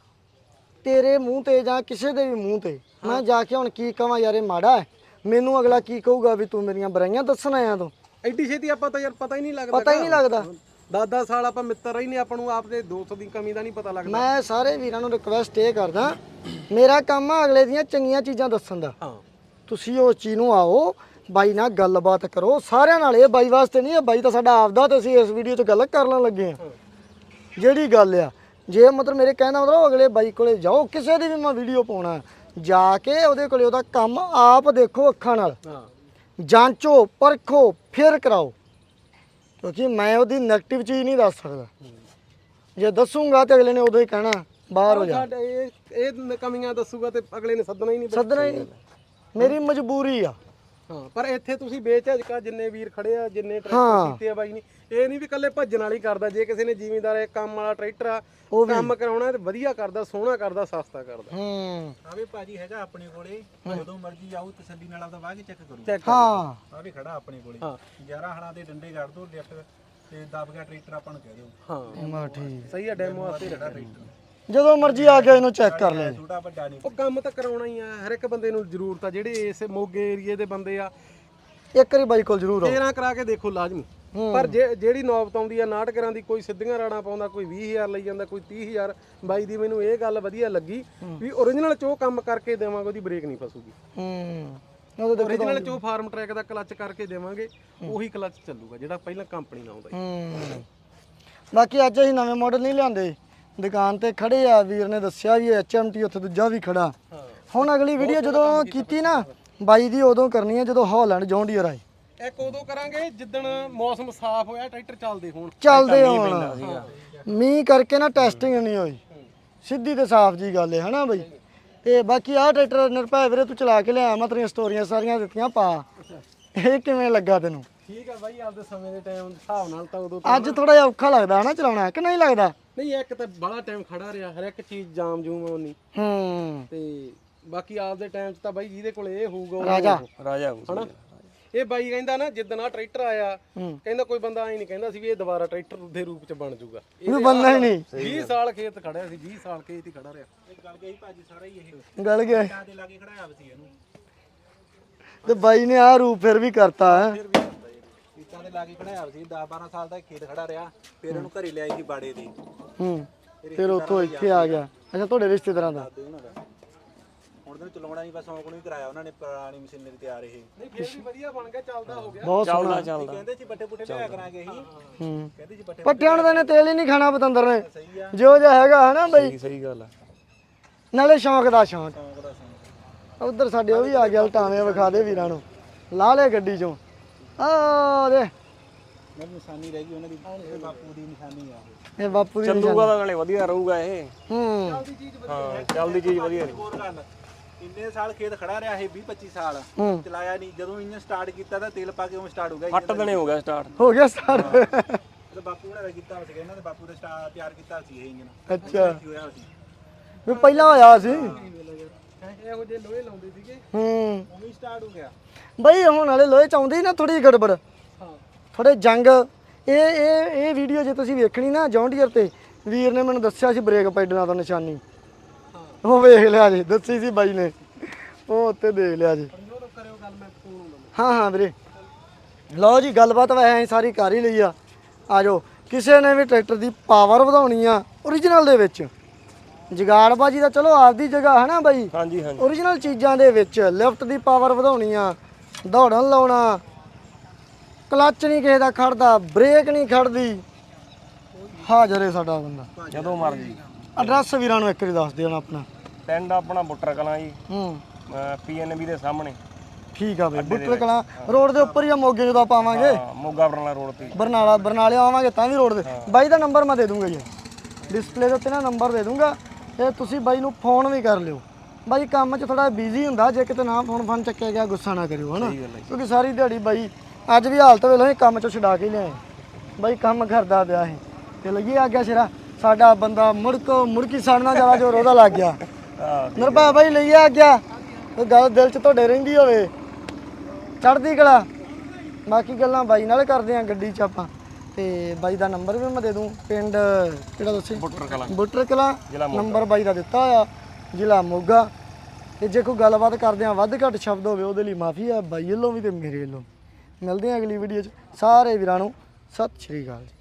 Speaker 1: ਤੇਰੇ ਮੂੰਹ ਤੇ ਜਾਂ ਕਿਸੇ ਦੇ ਵੀ ਮੂੰਹ ਤੇ। ਮੈਂ ਜਾ ਕੇ ਹੁਣ ਕੀ ਕਵਾਂ ਯਾਰ ਇਹ ਮਾੜਾ ਹੈ, ਮੈਨੂੰ ਅਗਲਾ ਕੀ ਕਹੂਗਾ ਵੀ ਤੂੰ ਮੇਰੀਆਂ ਬੁਰਾਈਆਂ ਦੱਸਣ ਆਇਆ ਤੂੰ।
Speaker 3: ਐਡੀ ਛੇਤੀ ਆਪਾਂ ਤਾਂ ਯਾਰ ਪਤਾ ਹੀ ਨਹੀਂ ਲੱਗਦਾ,
Speaker 1: ਪਤਾ ਹੀ ਨਹੀਂ ਲੱਗਦਾ।
Speaker 3: ਦਸ ਦਸ ਸਾਲ ਆਪਾਂ ਮਿੱਤਰ ਰਹੀ ਨੇ, ਆਪਾਂ ਨੂੰ ਆਪਦੇ ਦੋਸਤ ਦੀ ਕਮੀ ਦਾ ਨਹੀਂ ਪਤਾ ਲੱਗਦਾ।
Speaker 1: ਮੈਂ ਸਾਰੇ ਵੀਰਾਂ ਨੂੰ ਰਿਕਵੈਸਟ ਇਹ ਕਰਦਾ, ਮੇਰਾ ਕੰਮ ਆ ਅਗਲੇ ਦੀਆਂ ਚੰਗੀਆਂ ਚੀਜ਼ਾਂ ਦੱਸਣ ਦਾ।
Speaker 3: ਹਾਂ
Speaker 1: ਤੁਸੀਂ ਉਸ ਚੀਜ਼ ਨੂੰ ਆਓ, ਬਾਈ ਨਾਲ ਗੱਲਬਾਤ ਕਰੋ ਸਾਰਿਆਂ ਨਾਲ। ਇਹ ਬਾਈ ਵਾਸਤੇ ਨਹੀਂ, ਇਹ ਬਾਈ ਤਾਂ ਸਾਡਾ ਆਪਦਾ, ਤੇ ਅਸੀਂ ਇਸ ਵੀਡੀਓ 'ਚ ਗੱਲ ਕਰਨ ਲੱਗੇ ਹਾਂ। ਜਿਹੜੀ ਗੱਲ ਆ, ਜੇ ਮਤਲਬ ਮੇਰੇ ਕਹਿਣ ਦਾ ਮਤਲਬ ਅਗਲੇ ਬਾਈ ਕੋਲੇ ਜਾਓ, ਕਿਸੇ ਦੀ ਵੀ ਮੈਂ ਵੀਡੀਓ ਪਾਉਣਾ ਜਾ ਕੇ ਉਹਦੇ ਕੋਲੇ ਉਹਦਾ ਕੰਮ ਆਪ ਦੇਖੋ, ਅੱਖਾਂ ਨਾਲ ਜਾਂਚੋ ਪਰਖੋ ਫਿਰ ਕਰਾਓ। ਕਿਉਂਕਿ ਮੈਂ ਉਹਦੀ ਨੈਗੇਟਿਵ ਚੀਜ਼ ਨਹੀਂ ਦੱਸ ਸਕਦਾ। ਜੇ ਦੱਸੂਗਾ ਤੇ ਅਗਲੇ ਨੇ ਉਦੋਂ ਹੀ ਕਹਿਣਾ ਬਾਹਰ ਹੋ ਜਾ।
Speaker 3: ਸਾਡੇ ਇਹ ਇਹ ਕਮੀਆਂ ਦੱਸੂਗਾ ਤੇ ਅਗਲੇ ਨੇ ਸੱਦਣਾ ਹੀ ਨਹੀਂ।
Speaker 1: ਸੱਦਣਾ ਹੀ ਨਹੀਂ, ਮੇਰੀ ਮਜਬੂਰੀ ਆ।
Speaker 3: ਹਾਂ ਪਰ ਇੱਥੇ ਤੁਸੀਂ ਬੇਝਿਜਕਾ ਜਿੰਨੇ ਵੀਰ ਖੜੇ ਆ, ਜਿੰਨੇ ਟਰੈਕਟਰ ਕੀਤੇ ਆ ਬਾਈ ਨੇ, ਇਹ ਨਹੀਂ ਵੀ ਇਕੱਲੇ ਭੱਜਣ ਵਾਲੀ ਕਰਦਾ। ਜੇ ਕਿਸੇ ਨੇ ਜ਼ਿਮੀਂਦਾਰ ਇਹ ਕੰਮ ਵਾਲਾ ਟਰੈਕਟਰ ਆ ਕੰਮ ਕਰਾਉਣਾ ਤੇ ਵਧੀਆ ਕਰਦਾ, ਸੋਹਣਾ ਕਰਦਾ, ਸਸਤਾ ਕਰਦਾ।
Speaker 1: ਹੂੰ
Speaker 4: ਆਵੇ ਭਾਜੀ ਹੈਗਾ ਆਪਣੇ ਕੋਲੇ, ਜਦੋਂ ਮਰਜ਼ੀ ਆਓ ਤਸੱਲੀ ਨਾਲ ਆਪਦਾ ਵਾਹ ਕੇ ਚੈੱਕ ਕਰੋ।
Speaker 3: ਚੈੱਕ
Speaker 1: ਹਾਂ
Speaker 4: ਆਵੇ ਖੜਾ ਆਪਣੇ ਕੋਲੇ,
Speaker 3: ਹਾਂ
Speaker 4: ਗਿਆਰਾਂ ਹਲਾਂ ਦੇ ਡੰਡੇ ਕੱਢ ਦੋ, ਲਿਫਟ ਤੇ ਦਬ ਗਿਆ ਟਰੈਕਟਰ ਆਪਾਂ ਨੂੰ ਕਹਿ ਦਿਓ।
Speaker 3: ਹਾਂ
Speaker 1: ਮਾ ਠੀਕ,
Speaker 3: ਸਹੀ ਆ, ਡੈਮੋ ਵਾਸਤੇ
Speaker 4: ਖੜਾ ਟਰੈਕਟਰ,
Speaker 1: ਜਦੋਂ ਮਰਜ਼ੀ ਆ ਕੇ ਇਹਨੂੰ ਚੈੱਕ ਕਰ ਲੈ।
Speaker 4: ਛੋਟਾ ਵੱਡਾ ਨਹੀਂ।
Speaker 3: ਉਹ ਕੰਮ ਤਾਂ ਕਰਾਉਣਾ ਹੀ ਆ, ਹਰ ਇੱਕ ਬੰਦੇ ਨੂੰ ਜ਼ਰੂਰਤ ਆ। ਜਿਹੜੇ ਇਸ ਮੋਗੇ ਏਰੀਏ ਦੇ ਬੰਦੇ ਆ
Speaker 1: ਇੱਕ ਵਾਰੀ ਬਾਈ ਕੋਲ ਜ਼ਰੂਰ ਆਓ।
Speaker 3: ਤੇਰਾਂ ਕਰਾ ਕੇ ਦੇਖੋ ਲਾਜ਼ਮੀ। ਪਰ ਜੇ ਜਿਹੜੀ ਨੌਬਤ ਆਉਂਦੀ ਆ ਨਾਟਕਰਾਂ ਦੀ, ਕੋਈ ਸਿੱਧੀਆਂ ਰਾੜਾਂ ਪਾਉਂਦਾ, ਕੋਈ ਵੀਹ ਹਜ਼ਾਰ ਲਈ ਜਾਂਦਾ, ਕੋਈ ਤੀਹ ਹਜ਼ਾਰ। ਬਾਈ ਦੀ ਮੈਨੂੰ ਇਹ ਗੱਲ ਵਧੀਆ ਲੱਗੀ ਵੀ ਓਰੀਜਨਲ ਚੋ ਕੰਮ ਕਰਕੇ ਦੇਵਾਂਗੇ, ਉਹਦੀ ਬ੍ਰੇਕ ਨਹੀਂ ਫਸੂਗੀ।
Speaker 1: ਹੂੰ ਉਹਦੇ
Speaker 3: ਓਰੀਜਨਲ ਚੋ ਫਾਰਮ ਟਰੈਕ ਦਾ ਕਲੱਚ ਕਰਕੇ ਦੇਵਾਂਗੇ, ਉਹੀ ਕਲੱਚ ਚੱਲੂਗਾ ਜਿਹੜਾ ਪਹਿਲਾਂ ਕੰਪਨੀ ਨਾਲ ਆਉਂਦਾ।
Speaker 1: ਹੂੰ ਬਾਕੀ ਅੱਜ ਅਸੀਂ ਨਵੇਂ ਮਾਡਲ ਨਹੀਂ ਲਿਆਂਦੇ, ਦੁਕਾਨ ਤੇ ਖੜੇ ਆ। ਵੀਰ ਨੇ ਦੱਸਿਆ ਵੀ ਐਚ ਐਮ ਟੀ ਉੱਥੇ ਦੂਜਾ ਵੀ ਖੜਾ। ਹੁਣ ਅਗਲੀ ਵੀਡੀਓ ਜਦੋਂ ਕੀਤੀ ਨਾ ਬਾਈ ਦੀ, ਉਦੋਂ ਕਰਨੀ ਹੈ ਜਦੋਂ ਹਾਲੈਂਡ ਜੌਨ ਡੀਅਰ ਆਏ।
Speaker 3: ਇੱਕ ਉਦੋਂ ਕਰਾਂਗੇ ਜਿੱਦਣ ਮੌਸਮ ਸਾਫ਼ ਹੋਇਆ, ਟਰੈਕਟਰ ਚੱਲਦੇ ਹੋਣ।
Speaker 1: ਚੱਲਦੇ ਹੋਣ, ਮੀਂਹ ਕਰਕੇ ਨਾ ਟੈਸਟਿੰਗ ਨਹੀਂ ਹੋਈ। ਸਿੱਧੀ ਤੇ ਸਾਫ਼ ਜੀ ਗੱਲ ਹੈ ਹਨਾ ਬਈ। ਤੇ ਬਾਕੀ ਆਹ ਟਰੈਕਟਰ ਨਿਰਭੈ ਵੀਰੇ ਤੂੰ ਚਲਾ ਕੇ ਲਿਆ, ਮੈਂ ਤੇਰੀਆਂ ਸਟੋਰੀਆਂ ਸਾਰੀਆਂ ਦਿੱਤੀਆਂ ਪਾ। ਇਹ ਕਿਵੇਂ ਲੱਗਾ ਤੈਨੂੰ?
Speaker 3: ਠੀਕ ਆ ਬਾਈ, ਆਪਦੇ ਸਮੇਂ ਦੇ ਟਾਈਮ ਹਿਸਾਬ ਨਾਲ ਤਾਂ ਉਦੋਂ
Speaker 1: ਅੱਜ ਥੋੜਾ ਜਿਹਾ ਔਖਾ ਲੱਗਦਾ ਹਨਾ ਚਲਾਉਣਾ, ਕਿ ਨਹੀਂ ਲੱਗਦਾ?
Speaker 3: ਨਹੀਂ, ਇੱਕ ਤਾਂ ਬੜਾ ਟਾਈਮ ਖੜਾ ਰਿਹਾ, ਹਰ ਇੱਕ ਚੀਜ਼ ਜਾਮ ਜੂਮ ਹੋਣੀ।
Speaker 1: ਹੂੰ
Speaker 3: ਤੇ ਬਾਕੀ ਆਪਦੇ ਟਾਈਮ 'ਚ ਤਾਂ ਬਾਈ ਜਿਹਦੇ ਕੋਲ ਇਹ ਹੋਊਗਾ ਉਹ
Speaker 1: ਰਾਜਾ
Speaker 2: ਰਾਜਾ
Speaker 3: ਹਨਾ। ਇਹ ਬਾਈ ਕਹਿੰਦਾ ਨਾ ਜਿੱਦਣ ਆ ਟਰੈਕਟਰ ਆਇਆ, ਕਹਿੰਦਾ ਕੋਈ ਬੰਦਾ ਐ ਨਹੀਂ ਕਹਿੰਦਾ ਸੀ ਵੀ ਇਹ ਦੁਬਾਰਾ ਟਰੈਕਟਰ ਦੇ ਰੂਪ 'ਚ ਬਣ ਜਾਊਗਾ।
Speaker 1: ਇਹ ਬੰਦਾ ਹੀ ਨਹੀਂ।
Speaker 3: ਵੀਹ ਸਾਲ ਖੇਤ ਖੜਿਆ ਸੀ, ਵੀਹ ਸਾਲ ਖੇਤ ਹੀ ਖੜਾ ਰਿਹਾ।
Speaker 4: ਇਹ ਗੱਲ ਗਈ ਭਾਜੀ ਸਾਰਾ ਹੀ ਇਹ
Speaker 1: ਗਲ ਗਿਆ
Speaker 4: ਤਾਂ ਦੇ ਲਾਗੇ ਖੜਾਇਆ ਸੀ ਇਹਨੂੰ,
Speaker 1: ਤੇ ਬਾਈ ਨੇ ਆਹ ਰੂਪ ਫਿਰ ਵੀ ਕਰਤਾ ਹੈ।
Speaker 4: ਫਿਰ ਵੀ ਕਰਦਾ ਇਹ ਇੱਟਾਂ ਦੇ ਲਾਗੇ ਖੜਾਇਆ ਸੀ। ਦਸ ਬਾਰਾਂ ਸਾਲ ਦਾ ਖੇਤ ਖੜਾ ਰਿਹਾ, ਫਿਰ ਇਹਨੂੰ ਘਰੇ ਲਿਆਈ ਸੀ ਬਾੜੇ ਦੀ।
Speaker 1: ਹੂੰ ਫਿਰ ਉੱਥੋਂ ਇੱਥੇ ਆ ਗਿਆ। ਅੱਛਾ ਤੁਹਾਡੇ ਰਿਸ਼ਤੇਦਾਰਾਂ ਦਾ?
Speaker 4: ਹੁਣ ਤਾਂ ਚਲਾਉਣਾ ਨਹੀਂ, ਬਸ ਸ਼ੌਂਕ ਨੂੰ ਹੀ ਕਰਾਇਆ ਉਹਨਾਂ ਨੇ, ਪੁਰਾਣੀ ਮਸ਼ੀਨਰੀ ਤਿਆਰ। ਇਹ
Speaker 3: ਨਹੀਂ ਫਿਰ ਵੀ ਵਧੀਆ ਬਣ ਗਿਆ, ਚੱਲਦਾ ਹੋ ਗਿਆ।
Speaker 1: ਬਹੁਤ ਸੋਹਣਾ
Speaker 2: ਚੱਲਦਾ।
Speaker 4: ਕਹਿੰਦੇ ਸੀ ਬੱਟੇ ਬੁੱਟੇ ਲਿਆ ਕਰਾਂਗੇ ਅਸੀਂ,
Speaker 1: ਹੂੰ
Speaker 4: ਕਹਿੰਦੇ ਸੀ ਬੱਟੇ
Speaker 1: ਪੱਠਿਆਂ ਦਾ ਨੇ ਤੇਲ ਹੀ ਨਹੀਂ ਖਾਣਾ ਪਤੰਦਰ ਨੇ, ਜੋ ਜਿਹਾ ਹੈਗਾ ਹਨਾ ਬਈ।
Speaker 2: ਸਹੀ ਗੱਲ ਆ।
Speaker 1: ਨਾਲੇ ਸ਼ੌਂਕ ਦਾ ਸ਼ੌਂਕ।
Speaker 4: ਸ਼ੌਂਕ ਦਾ ਸ਼ੌਂਕ।
Speaker 1: ਉਧਰ ਸਾਡੇ ਉਹ ਵੀ ਆ ਗਿਆ, ਲਟਾਵੇਂ ਵਿਖਾ ਦੇ ਵੀਰਾਂ ਨੂੰ। ਲਾ ਲੈ ਗੱਡੀ ਚੋਂ ਆ ਦੇ,
Speaker 4: ਮੇਰੀ ਨਿਸ਼ਾਨੀ ਰਹਿ ਗਈ ਉਹਨਾਂ ਦੀ, ਇਹ ਬਾਪੂ ਦੀ ਨਿਸ਼ਾਨੀ ਆ।
Speaker 1: ਇਹ ਬਾਪੂ ਦੀ
Speaker 2: ਚੱਲੂਗਾ ਤਾਂ ਨਾਲੇ ਵਧੀਆ ਰਹੂਗਾ ਇਹ।
Speaker 1: ਹੂੰ
Speaker 2: ਹਾਂ ਚੱਲਦੀ ਚੀਜ਼ ਵਧੀਆ ਰਹੂ।
Speaker 4: ਹੋਰ ਗੱਲ, ਇੰਨੇ ਸਾਲ ਖੇਤ ਖੜਾ ਰਿਹਾ ਇਹ ਵੀਹ ਪੱਚੀ ਸਾਲ
Speaker 1: ਹੂੰ
Speaker 4: ਚਲਾਇਆ ਨਹੀਂ, ਜਦੋਂ ਇੰਜਨ ਸਟਾਰਟ ਕੀਤਾ ਤਾਂ ਤੇਲ ਪਾ ਕੇ ਉਹ ਸਟਾਰਟ ਹੋ ਗਿਆ।
Speaker 2: ਅੱਠ ਦਿਨੇ ਹੋ ਗਿਆ ਸਟਾਰਟ।
Speaker 1: ਹੋ ਗਿਆ ਸਟਾਰਟ।
Speaker 4: ਤੇ ਬਾਪੂ ਨੇ ਕੀਤਾ ਸੀਗਾ, ਇਹਨਾਂ ਦੇ ਬਾਪੂ ਦੇ ਸਟਾਰ ਤਿਆਰ ਕੀਤਾ ਸੀ ਇਹ ਇੰਜਨ।
Speaker 1: ਅੱਛਾ
Speaker 4: ਕੀ ਹੋਇਆ ਸੀ
Speaker 1: ਵੀ ਪਹਿਲਾਂ ਹੋਇਆ ਸੀ।
Speaker 3: ਇਹੋ ਜਿਹੇ ਲੋਹੇ ਲਾਉਂਦੇ ਸੀਗੇ,
Speaker 1: ਹੂੰ
Speaker 4: ਉਹ ਵੀ ਸਟਾਰਟ ਹੋ ਗਿਆ।
Speaker 1: ਬਈ ਹੁਣ ਵਾਲੇ ਲੋਹੇ ਚ ਆਉਂਦੀ ਨਾ ਥੋੜੀ ਗੜਬੜ,
Speaker 3: ਹਾਂ
Speaker 1: ਥੋੜੇ ਜੰਗ। ਇਹ ਇਹ ਇਹ ਵੀਡੀਓ ਜੇ ਤੁਸੀਂ ਵੇਖਣੀ ਨਾ ਜੌਂਡੀਅਰ ਤੇ, ਵੀਰ ਨੇ ਮੈਨੂੰ ਦੱਸਿਆ ਸੀ ਬ੍ਰੇਕ ਪੈਡਲਾਂ ਤੋਂ ਨਿਸ਼ਾਨੀ, ਉਹ ਵੇਖ ਲਿਆ ਜੀ, ਦੱਸੀ ਸੀ ਬਾਈ ਨੇ, ਉਹ ਉੱਤੇ ਦੇਖ ਲਿਆ ਜੀ।
Speaker 3: ਕਰਿਓ ਗੱਲ, ਮੈਂ ਫੋਨ
Speaker 1: ਹਾਂ ਹਾਂ ਵੀਰੇ, ਲਓ ਜੀ ਗੱਲਬਾਤ ਵੈਸੇ ਅਸੀਂ ਸਾਰੀ ਕਰ ਹੀ ਲਈ ਆ। ਆ ਜਾਓ, ਕਿਸੇ ਨੇ ਵੀ ਟਰੈਕਟਰ ਦੀ ਪਾਵਰ ਵਧਾਉਣੀ ਆ ਓਰੀਜਨਲ ਦੇ ਵਿੱਚ, ਜਗਾੜਬਾਜੀ ਦਾ ਚਲੋ ਆਪਦੀ ਜਗ੍ਹਾ ਹੈ ਨਾ ਬਾਈ,
Speaker 2: ਹਾਂਜੀ ਹਾਂਜੀ
Speaker 1: ਓਰੀਜਨਲ ਚੀਜ਼ਾਂ ਦੇ ਵਿੱਚ ਲਿਫਟ ਦੀ ਪਾਵਰ ਵਧਾਉਣੀ ਆ, ਦੌੜਨ ਲਾਉਣਾ, ਕਲੱਚ ਨਹੀਂ ਕਿਸੇ ਦਾ ਖੜਦਾ, ਬ੍ਰੇਕ ਨਹੀਂ ਖੜਦੀ, ਹਾਜ਼ਰ ਹੈ ਸਾਡਾ ਬੰਦਾ
Speaker 2: ਜਦੋਂ ਮਰਜੀ।
Speaker 1: ਐਡਰੈਸ ਵੀਰਾਂ ਨੂੰ ਇੱਕ ਵਾਰੀ ਦੱਸ ਦਿਓ ਨਾ ਆਪਣਾ।
Speaker 2: ਪਿੰਡ ਆਪਣਾ ਬੁੱਟਰ ਕਲਾਂ ਜੀ,
Speaker 1: ਹੂੰ
Speaker 2: ਪੀਐਨਬੀ ਦੇ ਸਾਹਮਣੇ।
Speaker 1: ਠੀਕ ਆ ਬਈ, ਬੁੱਟਰ ਕਲਾਂ ਰੋਡ ਦੇ ਉੱਪਰ ਹੀ ਆ, ਮੋਗੇ ਜਦੋਂ ਆਪਾਂ ਆਵਾਂਗੇ
Speaker 2: ਹਾਂ, ਮੋਗਾ ਬਰਨਾਲਾ ਰੋਡ ਤੇ।
Speaker 1: ਬਰਨਾਲਾ ਬਰਨਾਲੇ ਆਵਾਂਗੇ ਤਾਂ ਵੀ ਰੋਡ ਦੇ। ਬਾਈ ਦਾ ਨੰਬਰ ਮੈਂ ਦੇ ਦੂੰਗਾ ਜੀ, ਡਿਸਪਲੇ ਦੇ ਉੱਤੇ ਨਾ ਨੰਬਰ ਦੇ ਦੂੰਗਾ, ਤੇ ਤੁਸੀਂ ਬਾਈ ਨੂੰ ਫੋਨ ਵੀ ਕਰ ਲਿਓ। ਬਾਈ ਕੰਮ 'ਚ ਥੋੜਾ ਬਿਜ਼ੀ ਹੁੰਦਾ, ਜੇ ਕਿਤੇ ਨਾ ਫੋਨ ਫਨ ਚੱਕਿਆ ਗਿਆ ਗੁੱਸਾ ਨਾ ਕਰਿਓ ਹਨਾ, ਕਿਉਂਕਿ ਸਾਰੀ ਦਿਹਾੜੀ ਬਾਈ ਅੱਜ ਵੀ ਹਾਲਤ ਵੇਲੇ ਅਸੀਂ ਕੰਮ 'ਚੋਂ ਛਡਾ ਕੇ ਲਿਆਏ ਬਾਈ, ਕੰਮ ਕਰਦਾ ਪਿਆ ਸੀ ਤੇ ਲੱਗੀ ਆ ਗਿਆ ਸਿਰਾ ਸਾਡਾ ਬੰਦਾ, ਮੁੜਕ ਮੁੜਕੀ ਸਾੜਨਾ ਜ਼ਿਆਦਾ ਜ਼ੋਰ ਉਹਦਾ ਲੱਗ ਗਿਆ। ਨਿਰਭੈ ਬਾਈ ਲਈ ਆ ਗਿਆ, ਉਹ ਗੱਲ ਦਿਲ 'ਚ ਤੁਹਾਡੇ ਰਹਿੰਦੀ ਹੋਵੇ, ਚੜ੍ਹਦੀ ਕਲਾ। ਬਾਕੀ ਗੱਲਾਂ ਬਾਈ ਨਾਲ ਕਰਦੇ ਆ ਗੱਡੀ 'ਚ ਆਪਾਂ, ਤੇ ਬਾਈ ਦਾ ਨੰਬਰ ਵੀ ਮੈਂ ਦੇ ਦੂੰ। ਪਿੰਡ ਕਿਹੜਾ ਦੱਸੇ?
Speaker 2: ਬੁੱਟਰ ਕਲਾਂ।
Speaker 1: ਬੁੱਟਰ ਕਲਾਂ, ਨੰਬਰ ਬਾਈ ਦਾ ਦਿੱਤਾ ਆ, ਜ਼ਿਲ੍ਹਾ ਮੋਗਾ। ਤੇ ਜੇ ਕੋਈ ਗੱਲਬਾਤ ਕਰਦੇ ਆ ਵੱਧ ਘੱਟ ਸ਼ਬਦ ਹੋਵੇ ਉਹਦੇ ਲਈ ਮਾਫੀ ਆ ਬਾਈ ਵੱਲੋਂ ਵੀ ਤੇ ਮੇਰੇ ਵੱਲੋਂ। ਮਿਲਦੇ ਆ ਅਗਲੀ ਵੀਡੀਓ 'ਚ, ਸਾਰੇ ਵੀਰਾਂ ਨੂੰ ਸਤਿ ਸ਼੍ਰੀ ਅਕਾਲ ਜੀ।